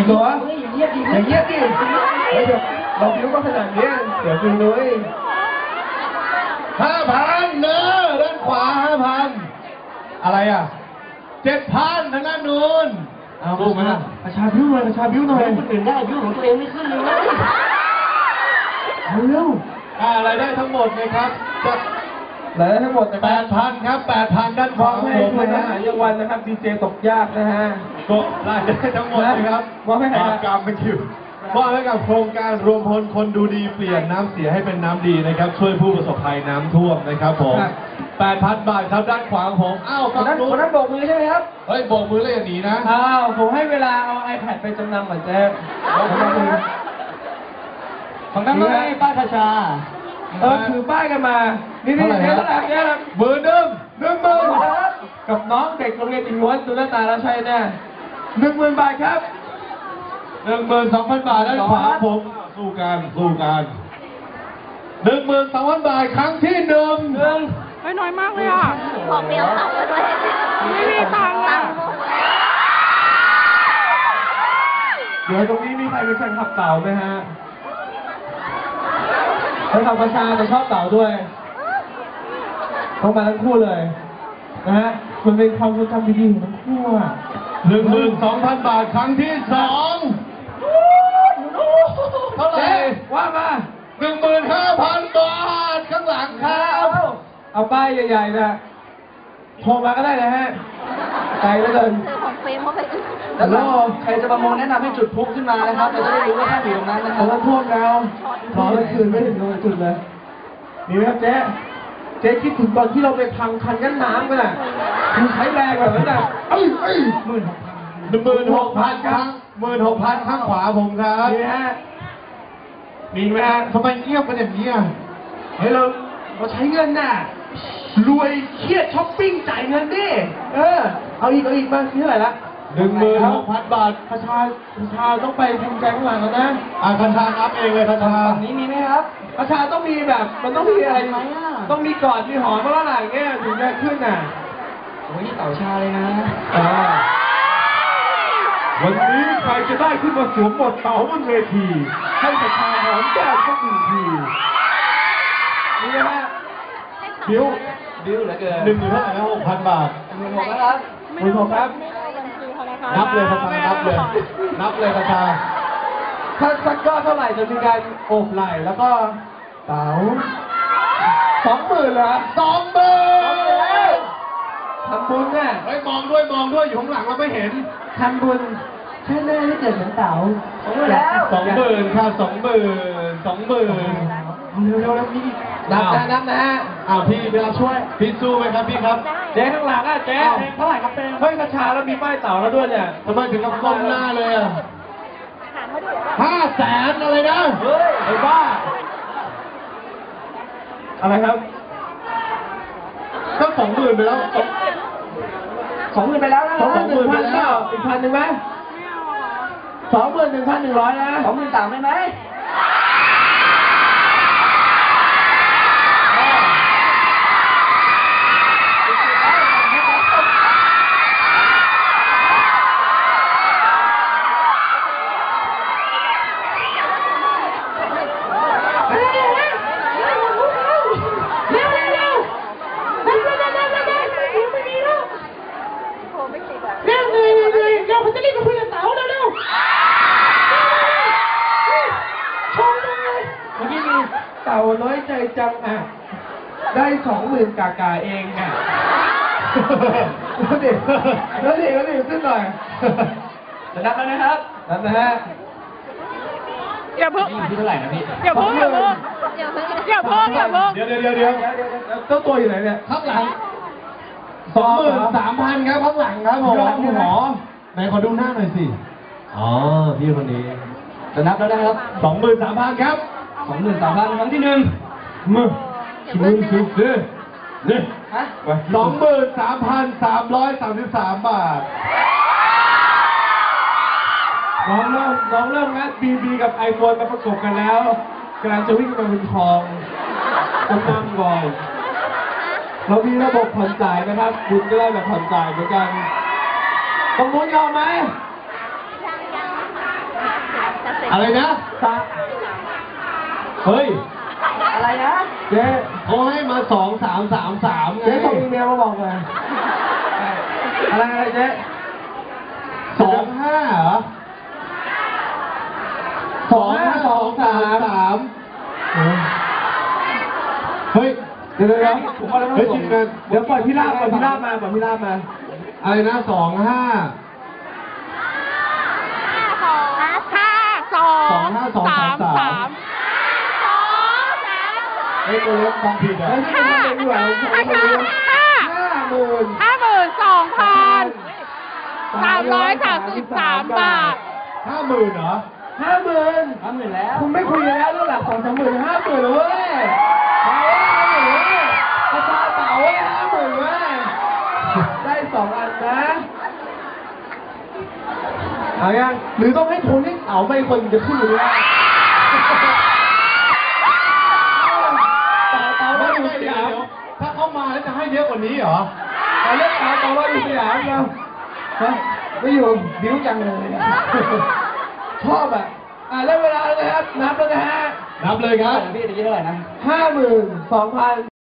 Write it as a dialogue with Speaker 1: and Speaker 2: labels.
Speaker 1: หรออย่างเงี้ยดิเดี๋ยวเราบิ้วก็ขนาดนี้เดี๋ยวคุณนุ้ย
Speaker 2: 5,000เนอะด้านขวา5,000อะไรอ่ะ7,000ทางด้านนู้นเอาลูกมาประชาบิ้วหน่อยคนอื่นได้บิ้วของตัวเองไม่ขึ้นเลยเร็วอะไรได้ทั้งหมดนะครับจะ
Speaker 1: รายได้ทั้งหมด
Speaker 2: 8,000 ครับ 8,000 ด้านขวาของผมนะฮะ
Speaker 1: ยังวันนะครับดีเจตกยากนะฮะ
Speaker 2: ก็รายได้ทั้งหมดนะครับ
Speaker 1: ว่าให้ใคร
Speaker 2: กรรมเป็นคิวว่าให้กับโครงการรวมพลคนดูดีเปลี่ยนน้ำเสียให้เป็นน้ำดีนะครับช่วยผู้ประสบภัยน้ำท่วมนะครับผม 8,000 บาทครับด้านขวาของผมอ้าว
Speaker 1: คนนั้นโบกมือใช่ไหมครับ
Speaker 2: เฮ้ยโบกมือเลยอย่างนี้นะ
Speaker 1: อ้าวผมให้เวลาเอา iPad ไปจำนำก่อนเจ๊
Speaker 3: ของนั้นไม่ให้ป้าชา
Speaker 1: ถือป้ายกันมานี่เท่าไหร่
Speaker 2: 10,000
Speaker 1: กับน้องเด็กโรงเรียนอินล้วนดูหน้าตาแล้วใช่แน่10,000 บาทครับ
Speaker 2: 12,000 บาทด้านขวาผมสู้กัน 12,000 บาทครั้งที่1
Speaker 4: ไม่น้อยมากเลยอ่ะ
Speaker 5: ของเดียวเอาไปด้วย
Speaker 4: ไม่มีตังค์อ่ะ
Speaker 1: เดี๋ยวตรงนี้มีใครเป็นแฟนคลับเต่าไหมฮะแฟนคลับประชาแต่ชอบเต่าด้วยต้องมาทั้งคู่เลยนะฮะมันเป็นความทรงจำดีๆของทั้งคู่อ่ะ
Speaker 2: 12,000 บาทครั้งที่2เท่าไหร่
Speaker 1: ว่ามา
Speaker 2: 15,000 บาทข้างหลังครับ
Speaker 1: เอาป้ายใหญ่ๆนะโทรมาก็ได้นะฮะไกลเหลือเกิน
Speaker 5: ของเฟรมเข้าไป
Speaker 3: แล้วใครจะประมูลแนะนำให้จุดพลุขึ้นมานะครับเราจะได้รู้ว่าท่านอยู่ตรงนั้นนะครับ
Speaker 1: แล้วท่วมแล้วขอเลยคืนไม่ถึงตรงจุดเลยมีไหมครับเจ๊คิดถึงตอนที่เราไปพังคันกั้นน้ำกันอ่ะคือใช้แรงแบบนั้นอ่ะ
Speaker 2: 16,000 ครับ 16,000 ข้างขวาผมครับ
Speaker 1: มีไหมฮะ
Speaker 2: ทำไมเงียบกันอย่างนี้อ่ะ
Speaker 1: เฮ้ยเราใช้เงินน่ะรวยเครียดช้อปปิ้งจ่ายเงินดิเอาอีกมาเท่าไหร่ละ
Speaker 2: 16,000 บาท
Speaker 1: ประชาต้องไปภูมิใจข้างหลังแล้วนะ
Speaker 2: ประชานับเองเลยประชา
Speaker 3: ฝั่งนี้มีไหมครับ
Speaker 1: ประชาต้องมีแบบมันต้องมีอะไรไหมต้องมีกอดมีหอมเมื่อไหร่เงี้ยถึงจะขึ้นน่ะ
Speaker 3: โอ้ยเต่าชาเลยนะ
Speaker 1: วันนี้ใครจะได้ขึ้นมาสวมบทเต่าบนเวทีให้ประชาหอมแก้มสัก1 ทีนี่นะฮะ
Speaker 3: บิ้วเหลือเกิน
Speaker 2: 10,000 เท่าไหร่นะ 6,000 บาท
Speaker 3: 16,000นะครับ
Speaker 1: 16,000ครับ
Speaker 2: นับเลยประชานับเลยประชา
Speaker 1: ถ้าสักก็เท่าไหร่จะมีการโอบไหล่แล้วก็เต๋า20,000เหรอ20,000ทำบุญน่ะ
Speaker 2: เฮ้ยมองด้วยอยู่ข้างหลังเราไม่เห็น
Speaker 1: ทำบุญใช่แน่ที่เกิดเหมือนเต๋า
Speaker 2: 20,000 ค่ะ20,000เ
Speaker 1: ร็วพี่นับนะ
Speaker 2: พี่เวลาช่วยพี่สู้ไหมครับพี่ครับ
Speaker 1: เจ๊ข้างหลังเจ๊เท่าไหร่ครับเจ๊เฮ้ยกระชาแล้วมีป้ายเต่าแล้วด้วยเนี่ย
Speaker 2: ทำไมถึงกับก้มหน้าเลยอ่ะ500,000อะไรนะ
Speaker 1: เฮ้ยไอ้บ้าอะไรครับ
Speaker 2: ก็20,000ไปแล้ว
Speaker 1: 20,000ไปแล้วนะ21,000ไปแล้วอีก1,000ไหม21,100นะ
Speaker 3: 23,000ได้ไหม
Speaker 4: เราจะรีบไปคุยกับเต๋าเร็วชมเลย
Speaker 1: เมื่อกี้มีเต่าน้อยใจจังได้20,000 กาเองแล้วดิขึ้นหน่อย
Speaker 3: จะนับแล้วนะครับ
Speaker 1: นับนะฮะ
Speaker 4: อย่าเพิ่ง
Speaker 3: ที่เท่าไหร่นะพี่
Speaker 4: อย่าเพิ่งเ
Speaker 2: ดี๋ยว
Speaker 1: เจ้าตัวอยู่ไหนเนี่ย
Speaker 2: ข้างหลัง23,000 ครับข้างหลังครับผมหมอไหนขอดูหน้าหน่อยสิพี่คนนี้
Speaker 3: จะนับแล้วนะครับ
Speaker 2: 23,000 ครับ
Speaker 3: 23,000 ครั้งที่1
Speaker 2: มือสุดนี่23,333 บาท
Speaker 1: น้องเริ่มงัดบีกับไอโฟนมาประกบกันแล้วกำลังจะวิ่งมาบนทองกำลังก่อนเรามีระบบผ่อนจ่ายนะครับคุณก็ได้แบบผ่อนจ่ายเหมือนกันประมูลยอมไหม
Speaker 2: อะไรนะ เฮ้ย
Speaker 3: อะไรนะ
Speaker 1: เจ๊
Speaker 2: เขาให้มา2333ไง
Speaker 1: เจ๊ส่งอีเมลมาบอกเลยอะไรเจ๊
Speaker 2: 25เหรอ 2523เฮ้ย
Speaker 1: เดี๋ยวผมว่าแล้ว
Speaker 2: เฮ้ย
Speaker 1: ส่
Speaker 2: ที
Speaker 1: ง
Speaker 2: มงาน
Speaker 1: เดี๋ยวปล่อยพี่ลาบมาปล่อยพี่ลาบมา
Speaker 2: อะไรนะ25
Speaker 4: ห้าสองสามสาม
Speaker 2: เฮ้ยตัวเล็กฟังผิดอ่ะ
Speaker 4: ห้าห้า52,333 บาท
Speaker 2: 50,000เหรอ
Speaker 1: 50,000
Speaker 3: แล้ว
Speaker 1: คุณไม่คุยกันแล้วเรื่องหลัก2-3 หมื่น50,000เลยเว้ยประชาเต๋าเว้ย50,000เว้ยได้2 อันนะเอายังหรือต้องให้ทุนให้เต๋าไปคนจะขึ้นหรือว่าเต๋าว่าอยู่สยาม
Speaker 2: ถ้าเข้ามาแล้วจะให้เยอะกว่านี้เหรอ
Speaker 1: เอาเล่นเต๋าว่าอยู่สยามเราไม่อยู่บิ้วจังเลยชอบอ่ะเล่นเวลาเลยครับนับแล้วนะฮะ
Speaker 2: นับเลยครับ
Speaker 3: พี่ตะกี้เท่าไหร่นะ
Speaker 1: 52,000